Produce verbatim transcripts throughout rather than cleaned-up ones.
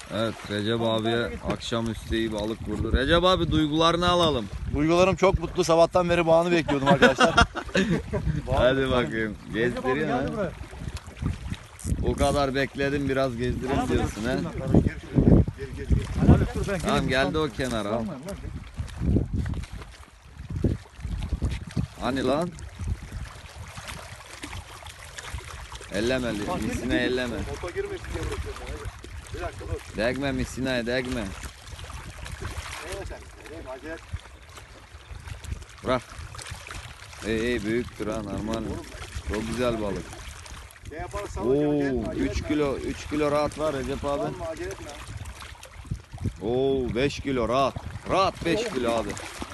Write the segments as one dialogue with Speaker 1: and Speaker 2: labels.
Speaker 1: Evet, Recep abiye akşamüstü iyi balık vurdu. Recep abi duygularını alalım.
Speaker 2: Duygularım çok mutlu. Sabahtan beri bağını bekliyordum arkadaşlar.
Speaker 1: Hadi bakayım. Gezdiriyor ha. O kadar bekledim, biraz gezdireyim diyorsun ha. Tamam, geldi o kenara. Hani lan? Elleme, misine elleme.
Speaker 2: Moto girmesin diye bırakıyorum ben. Hadi. Bir dakika dur.
Speaker 1: Degme misineye, degme.
Speaker 2: Nereye sen? Nereye? Acele.
Speaker 1: Bırak. İyi iyi, büyüktür ha, normal. Çok güzel balık.
Speaker 2: Ne yaparız?
Speaker 1: Oo, üç kilo, üç kilo rahat var Recep abi.
Speaker 2: Olma, acele etme.
Speaker 1: Oo, beş kilo rahat. Rahat beş kilo abi.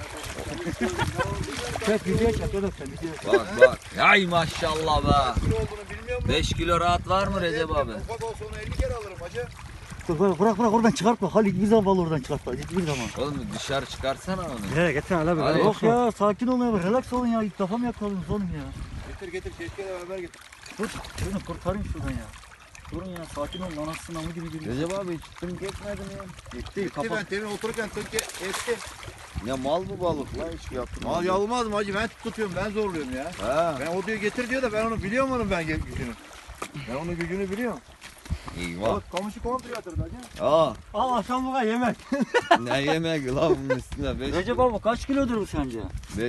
Speaker 3: Çek video çek oğlum sen video.
Speaker 1: Bak bak. Ay maşallah be.
Speaker 2: Kilo olduğunu bilmiyor musun?
Speaker 1: beş kilo rahat var mı Recep abi?
Speaker 2: Ufak olsa onu elli kere alırım hacı.
Speaker 3: Dur, Bırak bırak bırak oradan çıkartma. Halil hiçbir zaman balı oradan çıkartma. Hiçbir zaman.
Speaker 1: Oğlum dışarı çıkarsana onu.
Speaker 3: Nereye getir hala
Speaker 1: Hadi.
Speaker 3: be. Yok ya sakin olun ya. Relax olun ya. İlk defa mı yakaladınız oğlum ya?
Speaker 2: Getir getir keşke beraber getir.
Speaker 3: Dur şunu kurtarayım şuradan ya. Durun ya sakin olun. Anasını namı gibi geliyor.
Speaker 1: Recep abi hiç tınk etmedin ya.
Speaker 3: Gitti
Speaker 2: Gitti
Speaker 3: kapat.
Speaker 2: ben temin otururken tık etti.
Speaker 1: Ya mal bu balık lan, hiç yaptım.
Speaker 2: Mal yalmaz mı hacı? Ben tutuyorum, ben zorluyorum ya.
Speaker 1: Ha.
Speaker 2: Ben o diyor getir diyor da ben onu biliyorum onun ben gücünü. Ben onun gücünü biliyorum.
Speaker 1: Eyvah.
Speaker 2: Bak kamışı komple yatırdı hacı.
Speaker 1: Aa,
Speaker 3: Al akşam yemek.
Speaker 1: ne yemek lan bunun üstüne beş
Speaker 3: Recep abi kaç kilodur bu sence?